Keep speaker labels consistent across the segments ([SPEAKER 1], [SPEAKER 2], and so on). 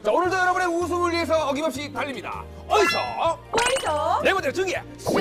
[SPEAKER 1] 자, 오늘도 여러분의 웃음을 위해서 어김없이 달립니다. 어디서? 네 번째 중계 쇼!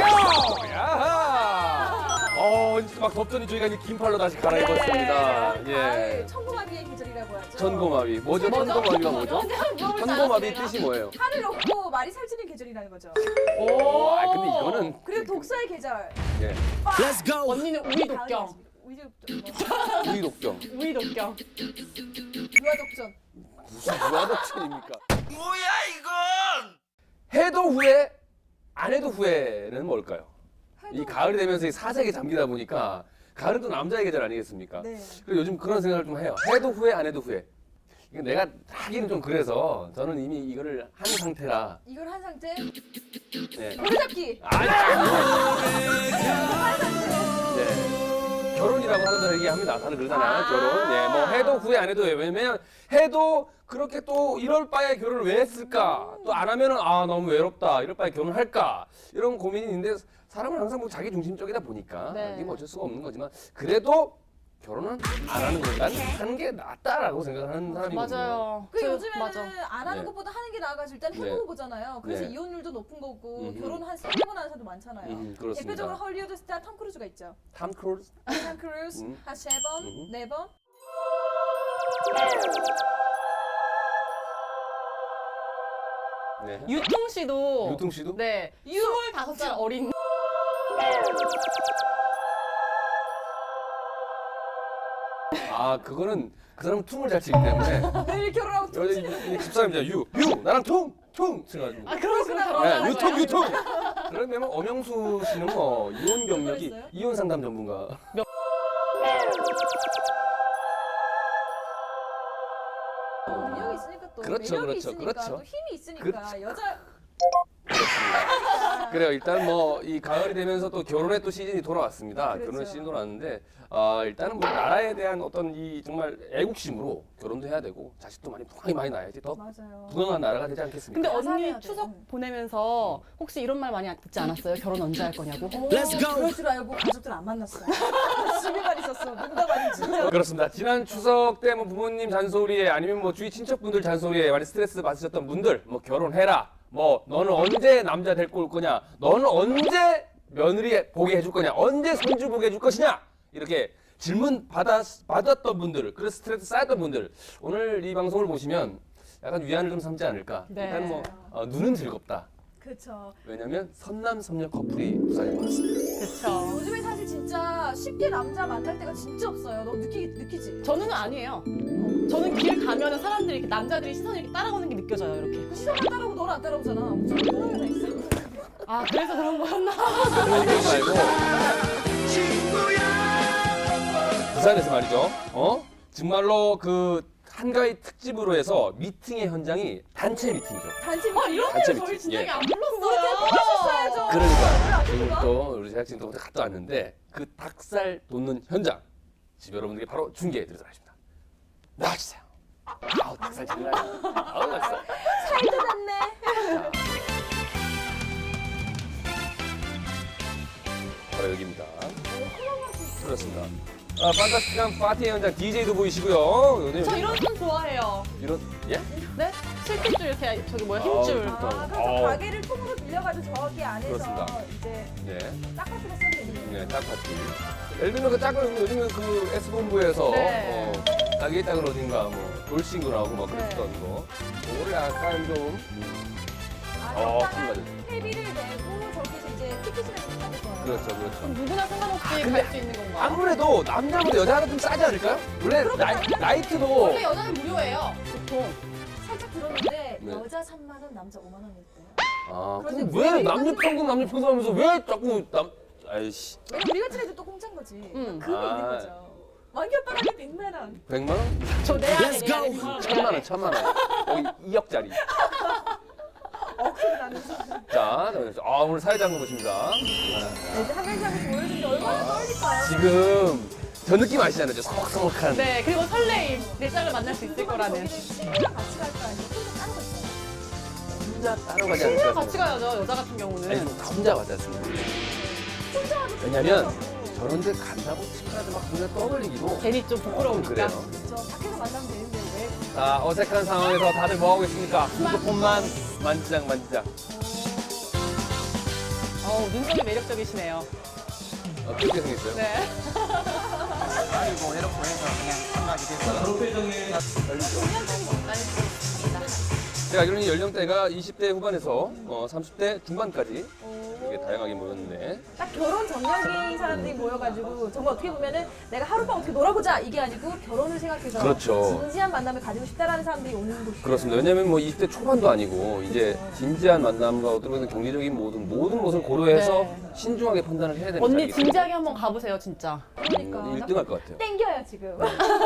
[SPEAKER 1] 야하! 막 덥더니 저희가 이제 긴팔로 다시 갈아입었습니다. 예.
[SPEAKER 2] 천고마비의 계절이라고 하죠.
[SPEAKER 1] 천고마비. 뭐죠? 천고마비가 뭐죠? 천고마비 뜻이 뭐예요?
[SPEAKER 2] 살을 얻고 말이 살찌는 계절이라는 거죠.
[SPEAKER 1] 근데 이거는
[SPEAKER 2] 그리고 독서의 계절.
[SPEAKER 1] 예.
[SPEAKER 3] Let's go.
[SPEAKER 4] 언니는 우리 독경.
[SPEAKER 2] 우리 독점.
[SPEAKER 1] 우리 독경.
[SPEAKER 4] 우리 독경.
[SPEAKER 2] 유아독전.
[SPEAKER 1] 무슨 무화독전입니까? 뭐야 이건? 해도 후회, 안 해도 후회는 뭘까요? 이 가을이 되면서 이 사색에 잠기다 보니까 가을은 또 남자의 계절 아니겠습니까?
[SPEAKER 2] 네.
[SPEAKER 1] 그리고 요즘 그런 생각을 좀 해요. 해도 후회, 안 해도 후회. 이거 내가 하기는 좀 그래서 저는 이미 이거를 한 상태라.
[SPEAKER 2] 이걸 한 상태.
[SPEAKER 1] 네.
[SPEAKER 2] 오래잡기.
[SPEAKER 1] 아니.
[SPEAKER 2] 한 상태.
[SPEAKER 1] 네. 결혼이라고 하는 사람 얘기합니다. 다들 그러잖아요.
[SPEAKER 2] 아.
[SPEAKER 1] 결혼. 네, 뭐 해도 후회 안 해도 후회. 왜냐면 해도 그렇게 또 이럴 바에 결혼을 왜 했을까? 또 안 하면은 너무 외롭다. 이럴 바에 결혼할까? 이런 고민이 있는데 사람은 항상 뭐 자기 중심적이다 보니까
[SPEAKER 4] 네.
[SPEAKER 1] 이게 뭐 어쩔 수가 없는 거지만 그래도 결혼은 안 하는 것보다 하는 게 낫다라고 생각하는 사람이거든요.
[SPEAKER 4] 맞아요.
[SPEAKER 2] 그 요즘에는
[SPEAKER 4] 맞아.
[SPEAKER 2] 안 하는
[SPEAKER 1] 네.
[SPEAKER 2] 것보다 하는 게 나아가지고 일단 해보고
[SPEAKER 1] 네.
[SPEAKER 2] 보잖아요. 그래서
[SPEAKER 1] 네.
[SPEAKER 2] 이혼율도 높은 거고
[SPEAKER 1] 음흠.
[SPEAKER 2] 결혼 한 3번 하는 사람도 많잖아요.
[SPEAKER 1] 그렇습니다.
[SPEAKER 2] 대표적으로 헐리우드 스타 톰 크루즈가 있죠.
[SPEAKER 1] 탐 크루즈?
[SPEAKER 2] 톰 크루즈
[SPEAKER 1] 음.
[SPEAKER 2] 한 3번, 4번.
[SPEAKER 1] 네.
[SPEAKER 4] 유통 씨도.
[SPEAKER 1] 유통 씨도?
[SPEAKER 4] 네. 25살 어린.
[SPEAKER 1] 그거는 그 사람은 퉁을 잘 치기 때문에
[SPEAKER 2] 내일 결혼하고 또
[SPEAKER 1] 이 집사람이잖아. 유 나랑 퉁 쳐가지고.
[SPEAKER 4] 그러시구나.
[SPEAKER 1] 네, 유통. 그러면 엄영수 씨는 뭐 이혼 경력이
[SPEAKER 2] 그랬어요?
[SPEAKER 1] 이혼 상담 전문가.
[SPEAKER 2] 능력이 있으니까 또
[SPEAKER 1] 그렇죠,
[SPEAKER 2] 매력이
[SPEAKER 1] 그렇죠,
[SPEAKER 2] 있으니까
[SPEAKER 1] 그렇죠.
[SPEAKER 2] 또 힘이 있으니까
[SPEAKER 1] 그렇죠.
[SPEAKER 2] 여자
[SPEAKER 1] 그래요. 일단 뭐 이 가을이 되면서 또 결혼의 또 시즌이 돌아왔습니다.
[SPEAKER 2] 그렇죠.
[SPEAKER 1] 결혼의 시즌이 돌아왔는데 일단은 뭐 나라에 대한 어떤 이 정말 애국심으로 결혼도 해야 되고 자식도 많이 낳아야지 더
[SPEAKER 2] 맞아요.
[SPEAKER 1] 부강한 나라가 되지 않겠습니까?
[SPEAKER 4] 근데
[SPEAKER 2] 야상해야
[SPEAKER 4] 언니
[SPEAKER 2] 돼.
[SPEAKER 4] 추석 보내면서 혹시 이런 말 많이 듣지 않았어요? 결혼 언제 할 거냐고?
[SPEAKER 3] Let's go.
[SPEAKER 2] 그럴 줄 알고 가족들 안 만났어요. 집에만 있었어. 농담 아닌 진짜.
[SPEAKER 1] 그렇습니다. 지난 추석 때 뭐 부모님 잔소리에 아니면 뭐 주위 친척분들 잔소리에 많이 스트레스 받으셨던 분들 뭐 결혼해라. 뭐 너는 언제 남자 데리고 올 거냐? 너는 언제 며느리 보게 해줄 거냐? 언제 손주 보게 해줄 것이냐? 이렇게 질문 받았던 분들, 그래서 스트레스 쌓였던 분들 오늘 이 방송을 보시면 약간 위안을 좀 삼지 않을까?
[SPEAKER 4] 네.
[SPEAKER 1] 일단 뭐 눈은 즐겁다.
[SPEAKER 2] 그렇죠.
[SPEAKER 1] 왜냐면 선남선녀 커플이 부산에 많습니다.
[SPEAKER 4] 그쵸.
[SPEAKER 2] 요즘에 사실 진짜 쉽게 남자 만날 때가 진짜 없어요. 너 느끼지?
[SPEAKER 4] 저는 아니에요. 저는 길 가면은 사람들이 이렇게 남자들이 시선이 이렇게 따라오는 게 느껴져요, 이렇게.
[SPEAKER 2] 그 시선만 따라오고 너는 안 따라오잖아. 무슨 따라오나 있어?
[SPEAKER 4] 아, 그래서 그런 거였나?
[SPEAKER 1] 그런 거 말고 부산에서 말이죠. 정말로 그 한가위 특집으로 해서 미팅의 현장이 단체 미팅이죠.
[SPEAKER 2] 단체
[SPEAKER 4] 이런
[SPEAKER 1] 단체
[SPEAKER 4] 데를 저희
[SPEAKER 1] 미팅.
[SPEAKER 4] 진작에
[SPEAKER 1] 예.
[SPEAKER 4] 안
[SPEAKER 2] 우리한테
[SPEAKER 4] 불렀어요.
[SPEAKER 2] 뽑아줬어야죠.
[SPEAKER 1] 그러니까 지금 또 우리 제작진도 갔다 왔는데 그 닭살 돋는 현장 집 여러분들께 바로 중계해 드리도록 하겠습니다. 나와주세요. 닭살 장난 아니야. 닭살.
[SPEAKER 2] 살도 났네.
[SPEAKER 1] 바로 여기입니다. 그렇습니다. 판타스틱한 파티 현장 DJ도 보이시고요.
[SPEAKER 4] 저 이런 손 좋아해요.
[SPEAKER 1] 이런 예?
[SPEAKER 4] 네? 실핏줄 이렇게 저기 뭐야 힘줄.
[SPEAKER 1] 좋다.
[SPEAKER 2] 그래서 가게를 통으로 빌려가지고 저기 안에서
[SPEAKER 1] 그렇습니다.
[SPEAKER 2] 이제
[SPEAKER 1] 네.
[SPEAKER 2] 딱딱하게 쓰면 되는
[SPEAKER 1] 네, 딱 파티. 예를 들면 그 짝을 요즘에 그 S본부에서
[SPEAKER 4] 네.
[SPEAKER 1] 자기 짝을 어딘가 뭐 돌싱구 나오고 막
[SPEAKER 4] 네.
[SPEAKER 1] 그랬던 거. 그거를 약간 좀
[SPEAKER 2] 일단은
[SPEAKER 1] 맞아요.
[SPEAKER 2] 회비를 내고 저기서 이제 티켓을 받을 거예요.
[SPEAKER 1] 그렇죠, 그렇죠.
[SPEAKER 4] 누구나 상관없이
[SPEAKER 1] 근데
[SPEAKER 4] 갈 수 있는 건가요?
[SPEAKER 1] 아무래도 남자보다 여자가 좀 싸지 않을까요? 원래 나이트도
[SPEAKER 4] 원래 여자는 무료예요, 보통.
[SPEAKER 2] 살짝 들었는데
[SPEAKER 1] 네.
[SPEAKER 2] 여자 3만 원, 남자 5만 원일 때.
[SPEAKER 1] 그럼
[SPEAKER 2] 그런데
[SPEAKER 1] 왜
[SPEAKER 2] 우리가
[SPEAKER 1] 남녀 평등 남녀 평등 하면서 왜 자꾸 아이씨
[SPEAKER 2] 왜냐면 우리 같은 애들 또 공짜인 거지. 그게 있는 거죠. 왕기 오빠가 100만 원.
[SPEAKER 1] 100만 원?
[SPEAKER 4] 저내 안에
[SPEAKER 3] Let's go.
[SPEAKER 1] 1000만 원, 1000만 원. 여기 2억짜리.
[SPEAKER 2] 억소리 나는 거.
[SPEAKER 1] 자, 오늘 사회자분 보십니다.
[SPEAKER 2] 이제 한 명씩 한 명씩 보여주는데 얼마나 떨릴까요?
[SPEAKER 1] 지금 저 느낌 아시잖아요. 저 서먹서먹한.
[SPEAKER 4] 네, 그리고 설레임. 내 짝을 만날 수 있을 거라는.
[SPEAKER 2] 친구랑 같이 갈까 아니면 혼자 따로 갈까요?
[SPEAKER 1] 혼자 따로 가지
[SPEAKER 4] 친구랑
[SPEAKER 1] 않을까?
[SPEAKER 4] 같이 가야죠, 여자 같은 경우는.
[SPEAKER 1] 아니, 다 혼자 가지 않습니다.
[SPEAKER 2] 혼자 가도
[SPEAKER 1] 왜냐면
[SPEAKER 2] 괜찮다고.
[SPEAKER 1] 저런데 간다고 친구한테 막 눈에 떠벌리기도
[SPEAKER 4] 괜히 좀 부끄러우니까.
[SPEAKER 1] 그래요.
[SPEAKER 2] 저 밖에서 만나면 되는데 왜?
[SPEAKER 1] 자, 어색한 상황에서 다들 뭐 하고 있습니까? 핸드폰만 만지작 만지작.
[SPEAKER 4] 눈썹이 매력적이시네요.
[SPEAKER 1] 어떻게 생겼어요?
[SPEAKER 4] 네.
[SPEAKER 3] 아이고 이렇게 해서 그냥 끝나게 됐어.
[SPEAKER 1] 그런 표정에 제가 알기로는 연령대가 20대 후반에서 30대 중반까지 이렇게 다양하게 모였는데
[SPEAKER 2] 딱 결혼 전략인 사람들이 모여가지고 정말 어떻게 보면은 내가 하룻밤 어떻게 놀아보자 이게 아니고 결혼을 생각해서
[SPEAKER 1] 그렇죠.
[SPEAKER 2] 진지한 만남을 가지고 싶다라는 사람들이 오는 곳이
[SPEAKER 1] 그렇습니다. 왜냐면 뭐 20대 초반도 아니고 이제 진지한 만남과 어떻게 보면 경제적인 모든 것을 고려해서
[SPEAKER 4] 네.
[SPEAKER 1] 신중하게 판단을 해야 되는
[SPEAKER 4] 언니
[SPEAKER 1] 자리이기 때문에
[SPEAKER 4] 진지하게 한번 가보세요, 진짜.
[SPEAKER 2] 그러니까
[SPEAKER 1] 1등 할 것 같아요.
[SPEAKER 2] 땡겨요 지금.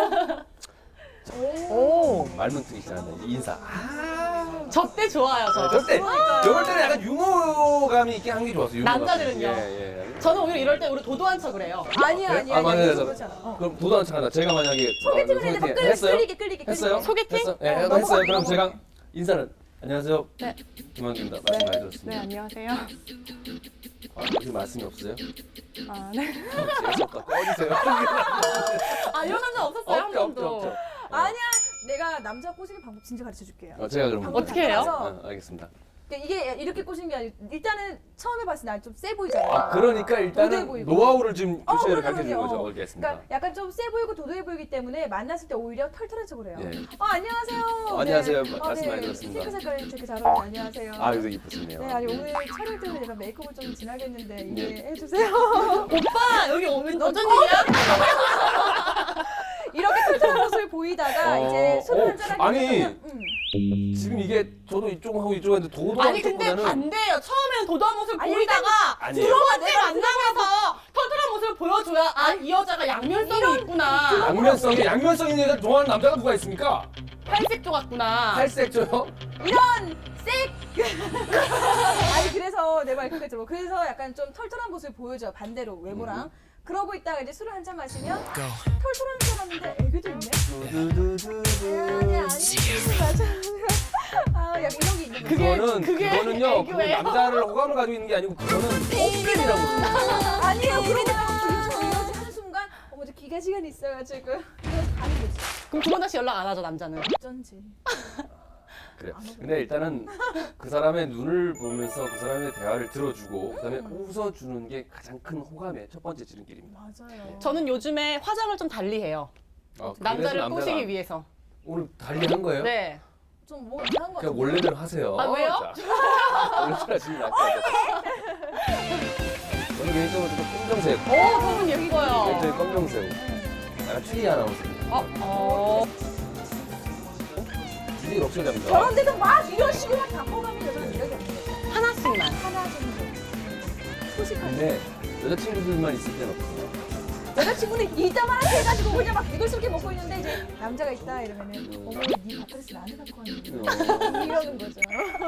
[SPEAKER 4] 오.
[SPEAKER 1] 말문트기시잖아요. 인사.
[SPEAKER 4] 저 때 좋아요, 저.
[SPEAKER 1] 저때 저럴 때는 약간 유머감이 있게 한 게 좋았어요. 유머감이.
[SPEAKER 4] 남자들은요?
[SPEAKER 1] 예.
[SPEAKER 4] 저는 오히려 이럴 때 우리 도도한 척을 해요.
[SPEAKER 2] 아니야
[SPEAKER 1] 그래?
[SPEAKER 2] 아니야.
[SPEAKER 1] 아, 맞아요.
[SPEAKER 2] 아니야. 그렇지 않아.
[SPEAKER 1] 그럼 도도한 척 하나. 제가 만약에
[SPEAKER 2] 소개팅을 했는데 막
[SPEAKER 1] 했어요?
[SPEAKER 2] 끌리게.
[SPEAKER 1] 했어요?
[SPEAKER 4] 소개팅?
[SPEAKER 1] 했어? 예,
[SPEAKER 2] 넘어가,
[SPEAKER 1] 했어요. 그럼
[SPEAKER 2] 넘어가.
[SPEAKER 1] 제가 인사를 안녕하세요.
[SPEAKER 4] 네.
[SPEAKER 1] 김한규입니다. 말씀 많이 들었습니다.
[SPEAKER 4] 네, 안녕하세요.
[SPEAKER 1] 혹시 말씀이 없어요?
[SPEAKER 4] 아, 네.
[SPEAKER 1] 재수없다. 꺼지세요.
[SPEAKER 4] 아, 이런 남자 없었어요, 한 번도.
[SPEAKER 1] 없죠.
[SPEAKER 2] 아니야. 내가 남자 꼬시는 방법 진짜 가르쳐 줄게요.
[SPEAKER 1] 제가 그럼
[SPEAKER 4] 어떻게 해요?
[SPEAKER 1] 알겠습니다.
[SPEAKER 2] 이게 이렇게 꼬시는 게 아니고 일단은 처음에 봤을 때 좀 세 보이잖아요.
[SPEAKER 1] 아, 그러니까
[SPEAKER 2] 도도해
[SPEAKER 1] 일단은
[SPEAKER 2] 보이고.
[SPEAKER 1] 노하우를 지금 교체를
[SPEAKER 2] 그럼요,
[SPEAKER 1] 가르쳐 주는
[SPEAKER 2] 그럼요.
[SPEAKER 1] 거죠. 알겠습니다.
[SPEAKER 2] 그러니까 약간 좀 세 보이고 도도해 보이기 때문에 만났을 때 오히려 털털한 척을 해요.
[SPEAKER 1] 예.
[SPEAKER 2] 안녕하세요.
[SPEAKER 1] 안녕하세요.
[SPEAKER 2] 네.
[SPEAKER 1] 말씀 많이 들었습니다.
[SPEAKER 2] 핑크 색깔이 되게 잘 어울려요. 안녕하세요.
[SPEAKER 1] 아, 이거 이쁘시네요.
[SPEAKER 2] 네, 아니 오늘 촬영 때문에 제가 메이크업을 좀 진하게 했는데
[SPEAKER 1] 네.
[SPEAKER 2] 이해해주세요.
[SPEAKER 4] 오빠, 여기 오면 어쩐 일이야?
[SPEAKER 2] 이렇게 털털한 모습을 보이다가 이제 술을
[SPEAKER 1] 어,
[SPEAKER 2] 한잔 하게
[SPEAKER 1] 아니.
[SPEAKER 2] 되면
[SPEAKER 1] 지금 이게 저도 이쪽하고 이쪽인데 도도한
[SPEAKER 4] 아니, 근데
[SPEAKER 1] 쪽보다는
[SPEAKER 4] 반대예요. 처음에는 도도한 모습을
[SPEAKER 2] 아니,
[SPEAKER 4] 보이다가
[SPEAKER 1] 아니에요.
[SPEAKER 4] 들어간 지 만나면서 털털한 모습을 보여줘야 아, 이 여자가 양면성이 있구나.
[SPEAKER 1] 양면성이 있는 여자 좋아하는 남자가 누가 있습니까?
[SPEAKER 4] 팔색조 같구나.
[SPEAKER 1] 탈색조요?
[SPEAKER 2] 이런 색 아니 그래서 내 말 그거죠. 그래서 약간 좀 털털한 모습을 보여줘 반대로 외모랑. 그러고 있다가 이제 술을 한잔 마시면 털털한 사람인데 애교도 있네. 아니 맞아. 아 약간 이런 게 있는 거죠.
[SPEAKER 1] 그거는요. 그건
[SPEAKER 4] 애교예요?
[SPEAKER 1] 남자를 호감을 가지고 있는 게 아니고 그거는 뽀삐이라고.
[SPEAKER 2] 아니에요. 그러다가 이러지 한 순간 어머 저 기가 시간이 있어가지고 이거 가는 거지.
[SPEAKER 4] 그럼 두 번 다시 연락 안 하죠, 남자는.
[SPEAKER 2] 어쩐지.
[SPEAKER 1] 그래. 근데 일단은 그 사람의 눈을 보면서 그 사람의 대화를 들어주고 그다음에 웃어주는 게 가장 큰 호감의 첫 번째 지름길입니다.
[SPEAKER 2] 맞아요.
[SPEAKER 4] 저는 요즘에 화장을 좀 달리해요.
[SPEAKER 1] 그래서
[SPEAKER 4] 남자를
[SPEAKER 1] 남자가
[SPEAKER 4] 꼬시기 위해서.
[SPEAKER 1] 오늘 달리한 거예요?
[SPEAKER 4] 네.
[SPEAKER 2] 좀 뭐 이상한 거
[SPEAKER 1] 그냥
[SPEAKER 2] 같은데.
[SPEAKER 1] 원래대로 하세요.
[SPEAKER 4] 아, 왜요?
[SPEAKER 1] 원래대로 지금 약간. 저는 개인적으로 좀 검정색.
[SPEAKER 4] 저분 여기고요.
[SPEAKER 1] 굉장히 검정색. 약간 추리 아나운서. 주디 럭셔리합니다.
[SPEAKER 2] 저런 데도 막 이런 식으로 막 바꿔가면 여자는 이러게 없는 거죠.
[SPEAKER 4] 하나씩만.
[SPEAKER 2] 하나 정도. 소식할 때.
[SPEAKER 1] 근데 여자친구들만 있을 때는 없어요.
[SPEAKER 2] 여자친구는 이따만 해가지고 그냥 막 개걸스럽게 먹고 있는데 이제 남자가 있다 이러면은 어머 네 밥그릇 나한테 갖고 왔는데 이러는 거죠.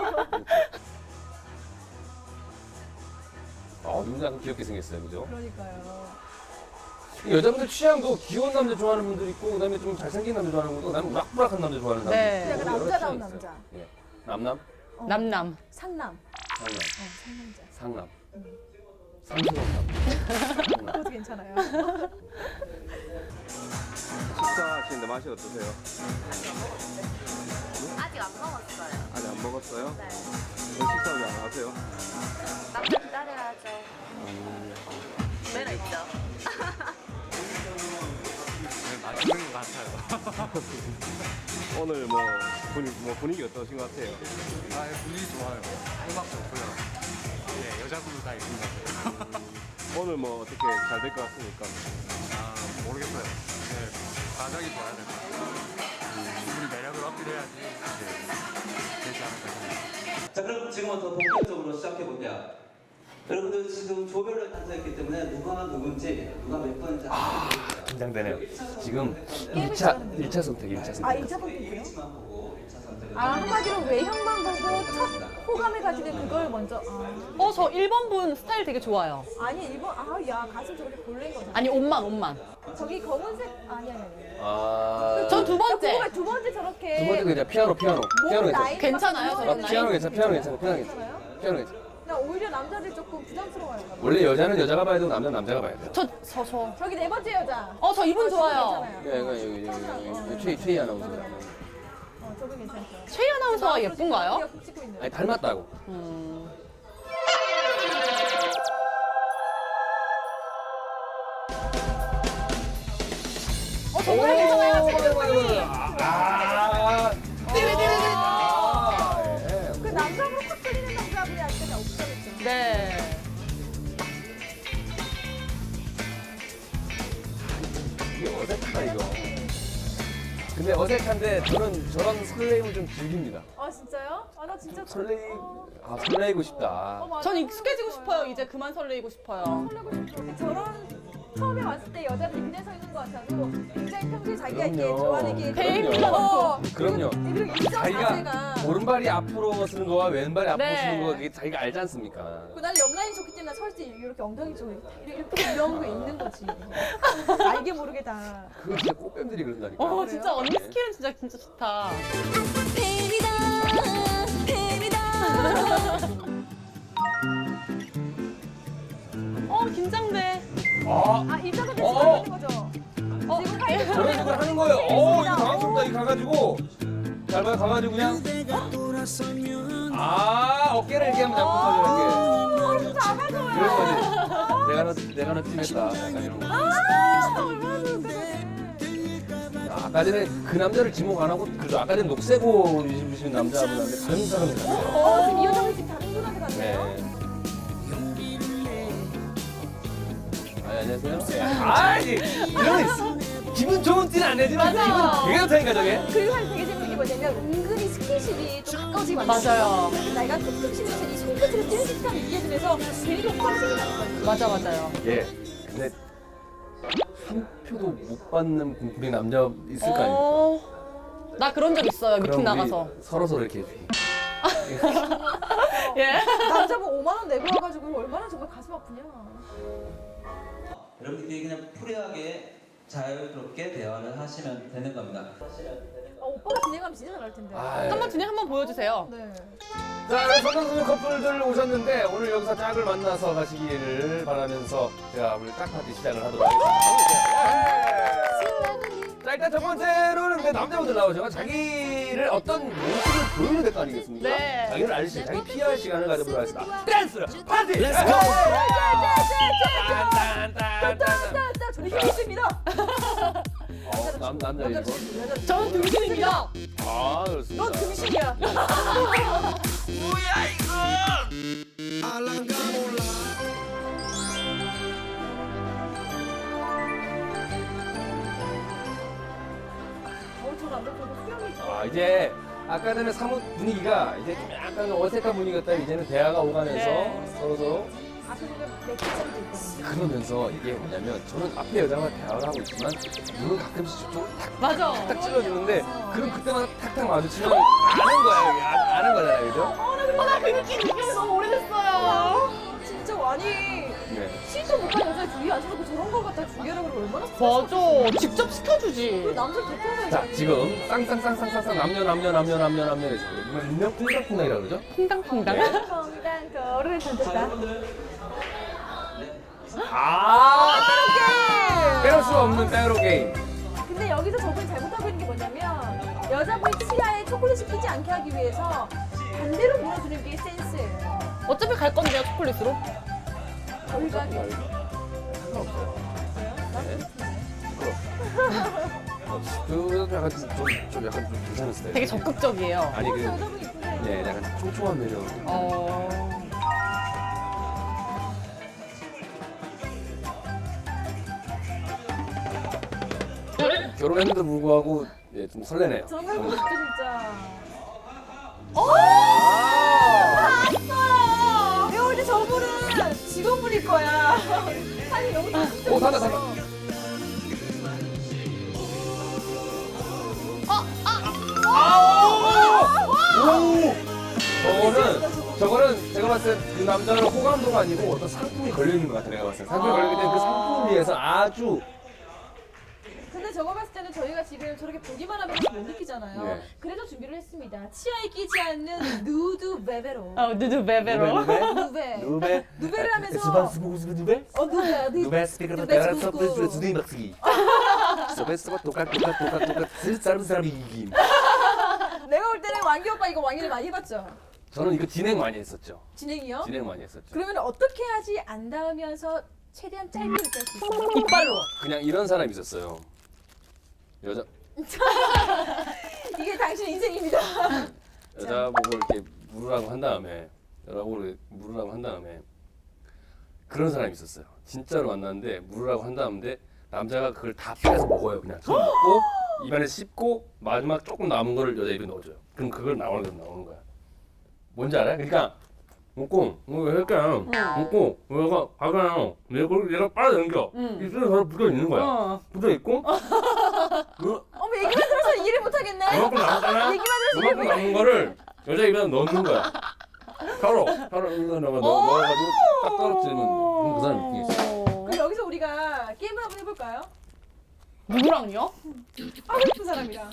[SPEAKER 1] 눈이 약간 귀엽게 생겼어요, 그죠?
[SPEAKER 2] 그러니까요.
[SPEAKER 1] 여자분들 취향도 귀여운 남자 좋아하는 분들 있고, 그다음에 좀 잘생긴 남자 좋아하는 분도, 그다음에 우락부락한 남자 좋아하는 남자.
[SPEAKER 4] 네.
[SPEAKER 1] 있고,
[SPEAKER 2] 약간
[SPEAKER 1] 여러
[SPEAKER 2] 남자다운
[SPEAKER 1] 취향이 있어요.
[SPEAKER 2] 남자.
[SPEAKER 1] 예. 남남,
[SPEAKER 4] 남남.
[SPEAKER 2] 상남.
[SPEAKER 1] 상남,
[SPEAKER 2] 상남자.
[SPEAKER 1] 상남, 상스러운 남자. 상남.
[SPEAKER 2] 그것도 괜찮아요.
[SPEAKER 5] 식사하시는데 맛이 어떠세요?
[SPEAKER 6] 아직 안 먹었어요.
[SPEAKER 5] 아직 안 먹었어요?
[SPEAKER 6] 네.
[SPEAKER 5] 왜 식사 왜 안 하세요?
[SPEAKER 6] 남자 기다려야죠. 매너 있죠.
[SPEAKER 3] 맛있는 것 같아요.
[SPEAKER 5] 오늘 뭐 분위기 어떠신 것 같아요?
[SPEAKER 3] 아, 분위기 좋아요. 음악도 좋고요. 네, 여자분들 다 있습니다.
[SPEAKER 5] 오늘 뭐 어떻게 잘 될 것 같습니까?
[SPEAKER 3] 아, 모르겠어요. 네, 과정이 좋아야 될 것 같아요. 우리 매력을 어필해야지 되지 않을까 생각합니다.
[SPEAKER 7] 자, 그럼 지금부터 본격적으로 시작해 볼게요. 여러분들 지금 조별로 앉아있기 때문에 누가 누군지, 누가 몇 번인지 알아볼게요.
[SPEAKER 1] 긴장되네요. 지금 1차 선택, 1차 선택.
[SPEAKER 2] 아 2차 선택이요?
[SPEAKER 7] 일치만 보고 1차 선택을
[SPEAKER 2] 아 한마디로 외형만 보고 첫 호감을 가지는 그걸 먼저.
[SPEAKER 4] 저 1번 분 스타일 되게 좋아요.
[SPEAKER 2] 아니 일본 아야 가슴 저렇게 볼린 거잖아.
[SPEAKER 4] 아니, 옷만.
[SPEAKER 2] 저기 검은색 아니.
[SPEAKER 1] 아.
[SPEAKER 4] 전 두 번째.
[SPEAKER 2] 두 번째 저렇게.
[SPEAKER 1] 두 번째 그냥 피아노. 피아노 괜찮아.
[SPEAKER 4] 괜찮아요,
[SPEAKER 2] 아,
[SPEAKER 4] 저런
[SPEAKER 1] 피아노
[SPEAKER 4] 나이?
[SPEAKER 1] 괜찮아. 피아노 괜찮아. 피아노 괜찮아.
[SPEAKER 2] 괜찮아요?
[SPEAKER 1] 피아노 괜찮아.
[SPEAKER 2] 나 오히려 남자들이 조금 부담스러워요.
[SPEAKER 1] 원래 여자는 여자가 봐야 되고 남자는 남자가 봐야 돼요.
[SPEAKER 4] 저.
[SPEAKER 2] 저기 네 번째 여자.
[SPEAKER 4] 저 이분 좋아요.
[SPEAKER 2] 괜찮아요.
[SPEAKER 1] 여기 최희 아나운서.
[SPEAKER 2] 저분 괜찮죠.
[SPEAKER 4] 최희 아나운서가 예쁜가요?
[SPEAKER 2] 귀가 푹 찍고 있는.
[SPEAKER 1] 아니 닮았다고.
[SPEAKER 2] 정말 괜찮아요. 체격이.
[SPEAKER 1] 아.
[SPEAKER 2] 그 남자분으로 확 끌리는 남자분이 아직까지 없어졌죠.
[SPEAKER 4] 네.
[SPEAKER 1] 이게 어색하다 이거. 근데 어색한데 저는 저런 설레임을 좀 즐깁니다.
[SPEAKER 2] 아 진짜요? 아 나 진짜
[SPEAKER 1] 설레이고 싶다.
[SPEAKER 2] 맞아.
[SPEAKER 4] 전 익숙해지고 싶어요. 이제 그만 설레이고 싶어요.
[SPEAKER 2] 설레고 싶어. 근데 저런 처음에 왔을 때 여자들이 그냥 서 있는 것 같아도 굉장히 평소에 자기가 이렇게
[SPEAKER 1] 그럼요.
[SPEAKER 2] 좋아하는 게
[SPEAKER 1] 그럼요. 그럼요.
[SPEAKER 2] 그리고 일정
[SPEAKER 1] 자기가
[SPEAKER 2] 자세가
[SPEAKER 1] 오른발이 앞으로 쓰는 거와 왼발이 앞으로
[SPEAKER 4] 네.
[SPEAKER 1] 쓰는 거 그게 자기가 알지 않습니까?
[SPEAKER 2] 나는 옆라인이 좋기 때문에 설 때 이렇게 엉덩이 쪽에 이렇게 이런 게 있는 거지. 알게 모르게 다.
[SPEAKER 1] 그거 진짜 꽃뱀들이 그런다니까.
[SPEAKER 4] 진짜 언니 스킬은 진짜 좋다. 긴장돼.
[SPEAKER 1] 아,
[SPEAKER 2] 입장은
[SPEAKER 1] 어.
[SPEAKER 2] 되는 거죠. 지금 파이브
[SPEAKER 1] 저런 식으로 하는 거예요. 이거 당황스럽다. 이거 가가지고 잘 봐요. 가가지고 그냥 어깨를 이렇게 하면 잡고 이렇게.
[SPEAKER 2] 진짜 아가줘요.
[SPEAKER 1] 그런 거지. 내가 너 팀했다. 약간 이런 거.
[SPEAKER 2] 얼마나 좋은데.
[SPEAKER 1] 아까 전에 그 남자를 지목 안 하고 그래도 아까 전에 녹색 옷 입으신 남자분한테 다른 사람이 갔어요.
[SPEAKER 2] 지금 이 여자분이 지금 다른 분한테 갔네요.
[SPEAKER 1] 네. 안녕하세요. 이런 기분 좋은 티는 안 내지만
[SPEAKER 4] 맞아.
[SPEAKER 1] 기분 되게 좋다니까 저게.
[SPEAKER 2] 그리고 한 되게 재밌는 게 뭐냐면 은근히 스킨십이 좀 가까워지게
[SPEAKER 4] 맞아요.
[SPEAKER 2] 그래서 내가 툭툭 치면서 이 손끝으로 찌는 듯한 느껴지면서 괜히 효과가 생긴다는 거예요.
[SPEAKER 4] 맞아요.
[SPEAKER 1] 예. 근데 한 표도 못 받는 분이 남자 있을 거 아닙니까?
[SPEAKER 4] 나 그런 적 있어요. 미팅
[SPEAKER 1] 그럼 우리
[SPEAKER 4] 나가서.
[SPEAKER 1] 서로 이렇게 해주기.
[SPEAKER 4] 예.
[SPEAKER 2] 남자분 5만 원 내고 와가지고 얼마나 정말 가슴 아프냐.
[SPEAKER 7] 여러분들이 그냥 프리하게 자유롭게 대화를 하시면 되는 겁니다.
[SPEAKER 2] 오빠가 진행하면 진짜 잘할 텐데.
[SPEAKER 4] 한번 진행 한번 보여주세요.
[SPEAKER 2] 네.
[SPEAKER 1] 자, 우리 성강소녀 커플들 오셨는데 오늘 여기서 짝을 만나서 가시기를 바라면서 제가 오늘 짝 파티 시작을 하도록 하겠습니다. 자, 일단 첫 번째로는 근데 남자분들 나오죠. 자기를 어떤 모습을 보여야 될 거 아니겠습니까?
[SPEAKER 4] 네.
[SPEAKER 1] 자기를 알리시 자기 PR 시간을 가져보도록 하겠습니다. 댄스 파티! 렛츠 고!
[SPEAKER 2] 딴딴딴 저는 힘이 있습니다.
[SPEAKER 1] 남자 이거.
[SPEAKER 4] 저는 등신입니다.
[SPEAKER 1] 그렇습니다.
[SPEAKER 2] 넌 등신이야. 저 남자 저도 수영이 좋아.
[SPEAKER 1] 이제 아까 전에 사뭇 분위기가 이제 좀 약간 어색한 분위기였다 이제는 대화가 오가면서
[SPEAKER 4] 네.
[SPEAKER 1] 서로
[SPEAKER 2] 앞에 보면 맥주잔도 있거든요.
[SPEAKER 1] 그러면서 이게 뭐냐면 저는 앞에 여자와 대화를 하고 있지만 눈은 가끔씩 저쪽으로
[SPEAKER 4] 맞아.
[SPEAKER 1] 탁 찔러주는데 그럼 그때마다 탁탁 마주치면 아는 거야 이게 아는 거잖아요 그죠?
[SPEAKER 4] 나 그 느낌 느껴서 너무 오래됐어요.
[SPEAKER 2] 진짜 많이
[SPEAKER 1] 네.
[SPEAKER 2] 시도 못한 여자 주위 안 서고 저런 거 갖다 준비하라고 그러면 얼마나 스트레스
[SPEAKER 4] 맞아. 직접 시켜주지.
[SPEAKER 2] 남자 대표가
[SPEAKER 1] 자 지금 쌍쌍쌍쌍쌍쌍 남녀해서 분명 콩닥콩닥이라 그러죠?
[SPEAKER 4] 퐁당퐁당.
[SPEAKER 2] 펑당 거를 던졌다.
[SPEAKER 1] 빼놓을 수가 없는 빼로 게임.
[SPEAKER 2] 근데 여기서 저분이 잘못하고 있는 게 뭐냐면 여자분이 치아에 초콜릿을 끼지 않게 하기 위해서 반대로 물어주는 게 센스예요.
[SPEAKER 4] 어차피 갈 건데요, 초콜릿으로.
[SPEAKER 2] 저희가
[SPEAKER 1] 상관없어요. 그 약간 좀 약간 좀 괜찮은 스타일.
[SPEAKER 4] 되게 적극적이에요.
[SPEAKER 1] 아니 그
[SPEAKER 2] 여자분이 이쁜데
[SPEAKER 1] 네, 약간 촘촘한 매력. 결혼했는데도 불구하고 예, 좀 설레네요.
[SPEAKER 2] 저런 거 해보고 싶다 진짜. 봤어요. 내가 볼때 저분은 직원분일 거야. 아니 너무
[SPEAKER 1] 산다. 저거는 제가 봤을 때 그 남자는 호감도가 아니고 어떤 상품이 걸려 있는 것 같아 내가 봤을 때 상품이 걸려 있기 때문에 그 상품을 위해서 아주
[SPEAKER 2] 근데 근데 저거 봤을 때는 저희가 지금 저렇게 보기만 하면 못 느끼잖아요.
[SPEAKER 1] 네.
[SPEAKER 2] 그래서 준비를 했습니다. 치아에 끼지 않는 누드 베베로.
[SPEAKER 4] 누드 베베로.
[SPEAKER 2] 누베.
[SPEAKER 5] 누베
[SPEAKER 2] 누베를 하면서
[SPEAKER 5] 누베
[SPEAKER 2] 누베.
[SPEAKER 5] 누베 스피커
[SPEAKER 2] 누베
[SPEAKER 5] 따라
[SPEAKER 2] 스쿠스.
[SPEAKER 5] 서브 주디 막기 서베스가 똑같 사람 이김
[SPEAKER 2] 내가 볼 때는 왕기 오빠 이거 왕기를 많이 해봤죠?
[SPEAKER 1] 저는 이거 진행 많이 했었죠.
[SPEAKER 2] 진행이요?
[SPEAKER 1] 진행 많이 했었죠.
[SPEAKER 2] 그러면 어떻게 하지 안 닿으면서 최대한 짧게 느낄 수 있어요?
[SPEAKER 4] 이빨로.
[SPEAKER 1] 그냥 이런 사람이 있었어요. 여자
[SPEAKER 2] 이게 당신 인생입니다.
[SPEAKER 1] 여자 보고 이렇게 물으라고 한 다음에 그런 사람이 있었어요. 진짜로 만났는데 물으라고 한 다음에 남자가 그걸 다 빼서 먹어요. 그냥 처음 먹고 입안에 씹고 마지막 조금 남은 거를 여자 입에 넣어줘요. 그럼 그걸 나오는 거야. 뭔지 알아요? 그러니까 먹고 왜 할까요? 먹고 얘가 가가요. 얘가 빨아당겨. 입술에 바로 붙어 있는 거야. 붙어 있고
[SPEAKER 2] 어머 얘기만 들어서 이해를 못하겠네.
[SPEAKER 1] 그만큼 남았잖아.
[SPEAKER 2] 얘기만 들어서
[SPEAKER 1] 그만큼 남은 거를 여자 입에 넣는 거야. 바로 이거 넣어가지고 딱 떨어뜨리면 그럼 그 사람이 웃기겠어.
[SPEAKER 2] 그럼 여기서 우리가 게임을 한번 해볼까요?
[SPEAKER 4] 누구랑요?
[SPEAKER 2] 하고 싶은 사람이랑.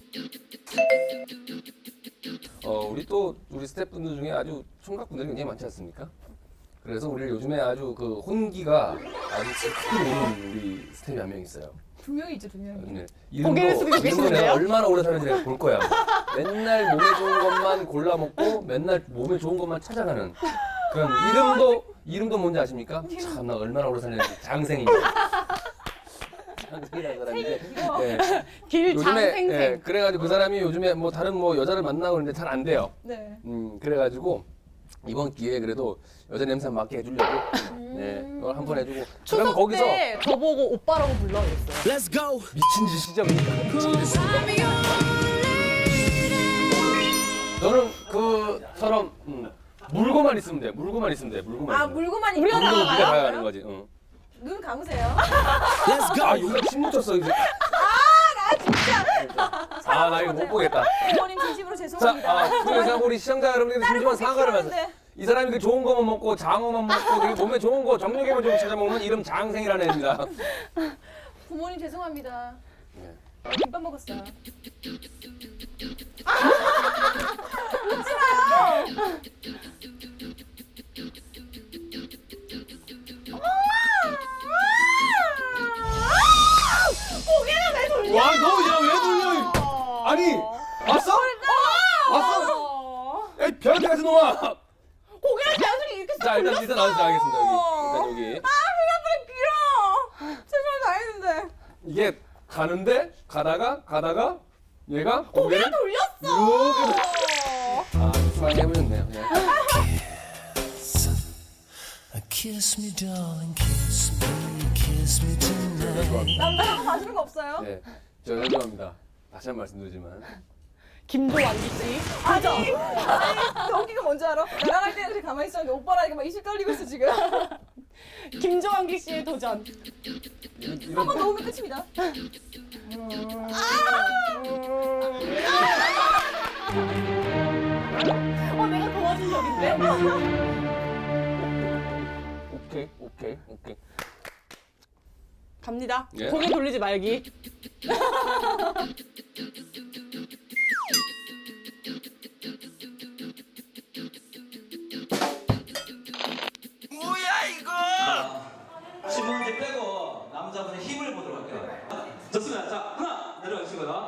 [SPEAKER 1] 우리 스태프분들 중에 아주 총각분들이 굉장히 많지 않습니까? 그래서 우리 요즘에 아주 그 혼기가 아주 큰 오는 우리 스태프이 한 명 있어요.
[SPEAKER 2] 두 명이 있죠, 두 명이.
[SPEAKER 1] 네.
[SPEAKER 4] 고개를 숙이고 계시는데요?
[SPEAKER 1] 내가 얼마나 오래 사는지 내가 볼 거야. 맨날 몸에 좋은 것만 골라 먹고 맨날 몸에 좋은 것만 찾아가는 그런 이름도 뭔지 아십니까? 참 나 얼마나 오래 사는지 장생입니다. 장생이라는 사람인데 네.
[SPEAKER 4] 길장생생.
[SPEAKER 1] 예, 그래가지고 그 사람이 요즘에 뭐 다른 뭐 여자를 만나고 그러는데 잘 안 돼요.
[SPEAKER 2] 네.
[SPEAKER 1] 그래가지고 이번 기회에 그래도 여자 냄새 맡게 해주려고 네, 그걸 한 번 해주고 그럼
[SPEAKER 4] 추석
[SPEAKER 1] 거기서
[SPEAKER 4] 때 저보고 오빠라고 불러야겠어요.
[SPEAKER 1] 미친 짓이죠. 저는 그처럼 물고만 있으면 돼. 물고만 있으면 돼. 물고만
[SPEAKER 2] 아
[SPEAKER 1] 있으면 돼.
[SPEAKER 2] 물고만
[SPEAKER 4] 우리가
[SPEAKER 2] 있구나.
[SPEAKER 1] 물고 네가
[SPEAKER 4] 나가요?
[SPEAKER 1] 가야 하는 거지. 응.
[SPEAKER 2] 눈 감으세요.
[SPEAKER 1] 아 여기 침 묻혔어 이제. 아 나 이거 못 보겠다.
[SPEAKER 2] 부모님 진심으로
[SPEAKER 1] 자,
[SPEAKER 2] 죄송합니다.
[SPEAKER 1] 그래서 우리 시청자 여러분들이 진심으로 사과를 하면서
[SPEAKER 2] 필요한데.
[SPEAKER 1] 이 사람이 그 좋은 거만 먹고 장어만 먹고 되게 몸에 좋은 거 정력에만 좀 찾아 먹는 이름 장생이라는 애입니다.
[SPEAKER 2] 부모님 죄송합니다.
[SPEAKER 1] 네.
[SPEAKER 2] 김밥 먹었어요.
[SPEAKER 1] 와, 너 야 왜 돌려? 아니, 왔어? 왔어? 야, 변태 같은 놈아.
[SPEAKER 4] 고개를 자연스럽게 이렇게
[SPEAKER 1] 자, 일단 나와주세요. 알겠습니다. 여기. 일단 여기.
[SPEAKER 2] 최선을 다했는데.
[SPEAKER 1] 이게 가는데 가다가 얘가 고개를
[SPEAKER 4] 돌렸어.
[SPEAKER 1] 이렇게 아, 수많이 해보셨네요. 그냥.
[SPEAKER 8] Kiss me, darling, kiss me tonight.
[SPEAKER 2] 남자가 봐주는 거 없어요?
[SPEAKER 1] 네, 저 죄송합니다. 다시 한 번 말씀드리지만
[SPEAKER 4] 김도완기 씨.
[SPEAKER 2] 아니 웃기가 뭔지 알아? 나랑 할 때는 이렇게 가만히 있었는데 오빠랑 막 입술 떨리고 있어 지금.
[SPEAKER 4] 김조한기 씨의 도전.
[SPEAKER 2] 한 번 넣으면 끝입니다.
[SPEAKER 4] 내가 도와준 적인데?
[SPEAKER 1] 오케이.
[SPEAKER 4] 갑니다.
[SPEAKER 1] 예.
[SPEAKER 4] 고개 돌리지 말기.
[SPEAKER 7] 신부님 빼고 남자분의 힘을 보도록 할게요. 좋습니다. 자, 하나 내려가시고요.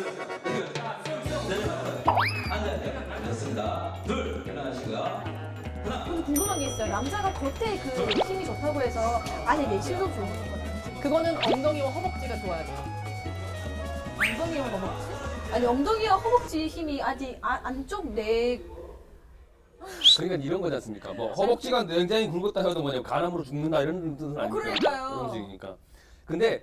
[SPEAKER 7] 내려가세요. 앉아야 좋습니다. 둘 일어나시고요.
[SPEAKER 2] 저는 궁금한 게 있어요. 남자가 겉에 그 힘이 좋다고 해서 안에 내실도 좋은 거잖아요.
[SPEAKER 4] 그거는 엉덩이와 허벅지가 좋아야 돼요.
[SPEAKER 2] 엉덩이와 허벅지? 아니 엉덩이와 허벅지 힘이 아직 안쪽 내
[SPEAKER 1] 그러니까 이런 거지 않습니까? 뭐 허벅지가 굉장히 굵었다 해도 뭐냐면 간암으로 죽는다 이런 뜻은 아니니까.
[SPEAKER 2] 그러니까요.
[SPEAKER 1] 그런 식이니까. 근데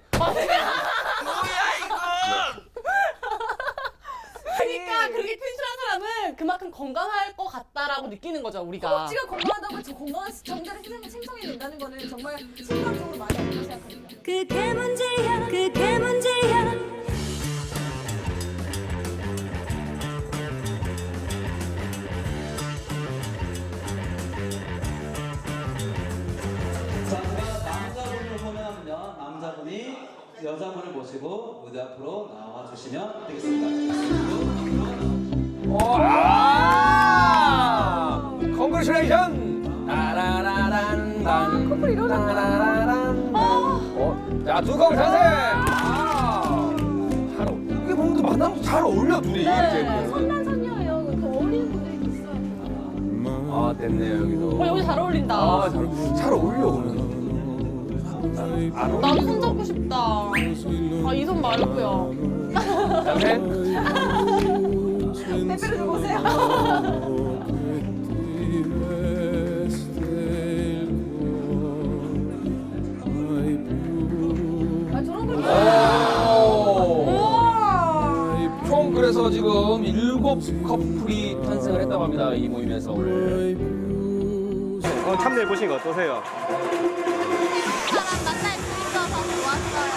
[SPEAKER 4] 그러니까 그렇게 텐션한 사람은 그만큼 건강할 것 같다라고 느끼는 거죠, 우리가.
[SPEAKER 2] 허벅지가 건강하다고 저 건강한 정자를 생성이 된다는 거는 정말 심리학적으로 많이 안다고 생각합니다.
[SPEAKER 9] 그게 문제야 그게 문제야
[SPEAKER 7] 자, 제가 남자분을 보면요. 남자분이 여자분을 모시고 무대 앞으로 나와 주시면 되겠습니다.
[SPEAKER 1] 컨그레츄레이션! 따라라란단.
[SPEAKER 2] 커플 이러는
[SPEAKER 1] 자, 두꺼운 자세! 잘 이게 뭔가 만나면 잘 어울려, 둘이. 이렇게.
[SPEAKER 2] 선남선녀예요. 그 어울리는 분들이 있어요.
[SPEAKER 1] 아, 됐네요, 여기도.
[SPEAKER 4] 여기 잘 어울린다.
[SPEAKER 1] 아, 잘 어울려, 오늘.
[SPEAKER 4] 나도 손 잡고 싶다. 아, 이 손 말고요.
[SPEAKER 1] 자세?
[SPEAKER 2] 빼빼로 좀 보세요. 아, 저런 걸
[SPEAKER 1] 오! 총 그래서 지금 7 커플이 탄생을 했다고 합니다. 이 모임에서 오늘.
[SPEAKER 5] 오늘 참여해 보신 거 어떠세요?
[SPEAKER 6] 사람 만날 수 있어서 좋았어요.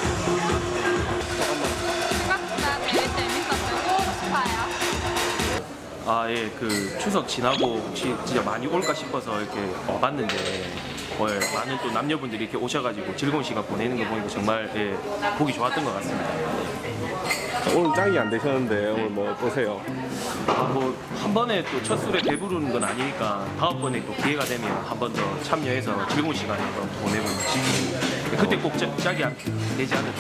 [SPEAKER 6] 생각보다 되게 재밌었고 싶어요.
[SPEAKER 10] 아, 예, 그 추석 지나고 진짜 많이 올까 싶어서 이렇게 와봤는데 많은 또 남녀분들이 이렇게 오셔가지고 즐거운 시간 보내는 거 보니까 정말 예, 보기 좋았던 것 같습니다.
[SPEAKER 5] 오늘 짝이 안 되셨는데 오늘 뭐 어떠세요?
[SPEAKER 10] 아, 뭐 한 번에 또 첫 술에 배부르는 건 아니니까 다음번에 또 기회가 되면 한 번 더 참여해서 즐거운 시간 한번 보내고 싶습니다. 그때 꼭 짝이 되지 않을까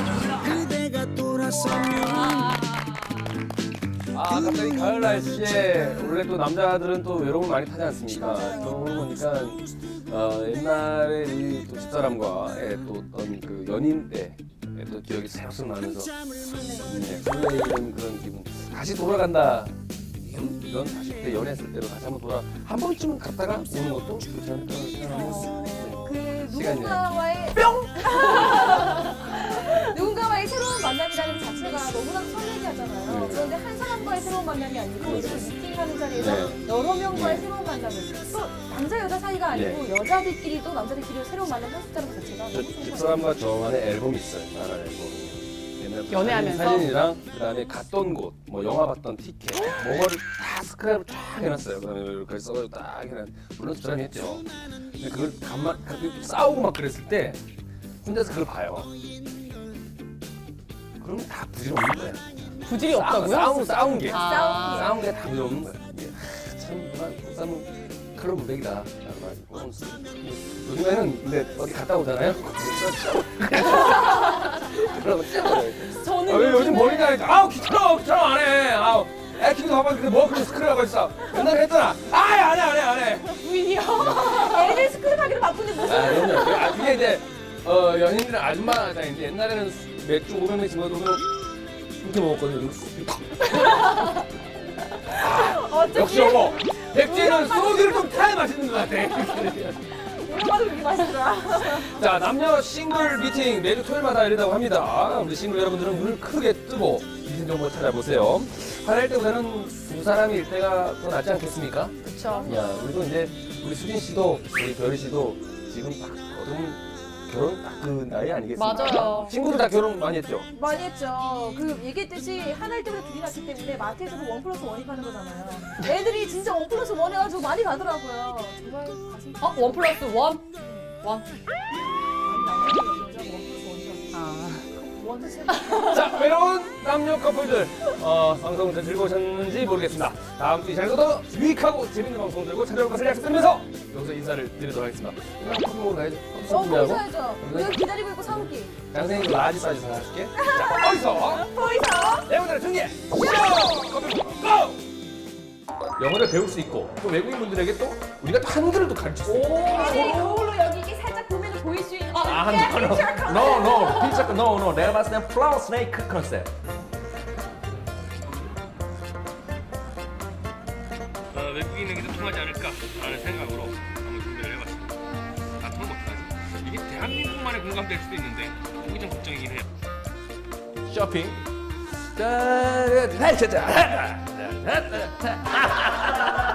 [SPEAKER 10] 싶습니다.
[SPEAKER 1] 아, 갑자기 가을 날씨에 원래 또 남자들은 또 외로움을 많이 타지 않습니까? 그러고 보니까 옛날에 이 또 집사람과의 또 어떤 그 연인 때의 또 기억이 새록새록 나면서 설레이는 그런 기분. 다시 돌아간다. 이런 40대 연애했을 때로 다시 한번 한 번쯤은 갔다가 오는 것도 좋지 않을까 생각하고
[SPEAKER 2] 그
[SPEAKER 1] 시간이에요.
[SPEAKER 2] 누군가와의 누군가와의 새로운 만남이라는 자체가 너무나 설레게 하잖아요.
[SPEAKER 1] 네.
[SPEAKER 2] 그런데 한 사람과의 새로운 만남이 아니고 이렇게 미팅하는 자리에서
[SPEAKER 1] 네.
[SPEAKER 2] 여러 명과의
[SPEAKER 1] 네.
[SPEAKER 2] 새로운 만남을 또 남자 여자 사이가 아니고 여자들끼리 또 남자들끼리 새로운 만남을 할 수 있다는 것 자체가
[SPEAKER 1] 저
[SPEAKER 2] 너무 좋은 것
[SPEAKER 1] 집사람과 저만의 앨범이 있어요. 나라 앨범. 옛날
[SPEAKER 4] 연애하면서?
[SPEAKER 1] 사진이랑 그다음에 갔던 곳, 뭐 영화 봤던 티켓, 뭐를 다 스크랩을 쫙 해놨어요. 그다음에 이렇게 써가지고 딱 해놨. 물론 집사람이 했죠. 근데 그걸 싸우고 막 그랬을 때 혼자서 그걸 봐요. 그럼 다 부질없는 거야.
[SPEAKER 4] 부질이 없다고요?
[SPEAKER 1] 싸운 게.
[SPEAKER 4] 아.
[SPEAKER 1] 싸운 게 다 부질없는 거야. 이게 참 그만 싸움은 그런 무백이다. 요즘에는 근데 어디 갔다 오잖아요. 그러면 찢어버려요.
[SPEAKER 4] 저는
[SPEAKER 1] 왜 요즘 머리 나니까 아우 귀찮아 안 해. 아우 애기도 봐봤는데 뭐 그런 스크랩하고 있어. 옛날에 했잖아. 안 해.
[SPEAKER 4] 부인이요.
[SPEAKER 2] 애들 스크립 하기로 바쁜데 무슨
[SPEAKER 1] 그럼요. 그게 이제 연인들은 아줌마다 이제 옛날에는 맥주 500ml 먹어도 이렇게 먹었거든요. 역시 여보. 맥주는 소주를 좀 타야 맛있는 것 같아.
[SPEAKER 2] 이거봐도 그렇게 맛있더라.
[SPEAKER 1] 자, 남녀 싱글 미팅 매주 토요일마다 열린다고 합니다. 우리 싱글 여러분들은 눈을 크게 뜨고 미팅 정보 찾아보세요. 하나일 때보다는 두 사람일 때가 더 낫지 않겠습니까?
[SPEAKER 4] 그렇죠.
[SPEAKER 1] 야, 그리고 이제 우리 수진 씨도 우리 별이 씨도 지금 딱 거둔 결혼 딱 그 나이 아니겠습니까?
[SPEAKER 4] 맞아요.
[SPEAKER 1] 친구들 다 결혼 많이 했죠?
[SPEAKER 2] 많이 했죠. 그 얘기했듯이 하나일 때보다 둘이 났기 때문에 마트에서도 1+1이 가는 거잖아요. 애들이 진짜 1+1 해가지고 많이 가더라고요. 정말 가슴
[SPEAKER 4] 어, 1+1? 원.
[SPEAKER 1] 자, 외로운 남녀 커플들 방송 잘 즐거우셨는지 모르겠습니다. 다음 주 이 시간에도 더 유익하고 재밌는 방송 들고 찾아올 것을 약속드리면서 여기서 인사를 드리도록 하겠습니다. 오늘 커피 먹으러 가야죠. 커피 준비하고
[SPEAKER 2] 보이셔야죠. 내가 기다리고 있고 사올게.
[SPEAKER 1] 장생이 라지 사이즈 사줄게. 자, 어디서?
[SPEAKER 2] 보이셔?
[SPEAKER 1] 영어를 준비해. 쇼! 커피 먹고 고! 영어를 배울 수 있고 또 외국인분들에게 또 우리가 또 한글을 또 가르칠 수 있고.
[SPEAKER 2] 애들이 거울로 여기 이게 살짝 보면 보일 수 있는
[SPEAKER 1] no. 내가 봤을 땐 플라워 스네이크 컨셉.
[SPEAKER 3] 외국인에게도 통하지 않을까라는 생각으로 한번 준비를 해봤습니다. 다 통과 못하지. 이게 대한민국만의 공감될 수도 있는데 그게 좀 걱정이긴 해요.
[SPEAKER 1] 쇼핑. 자,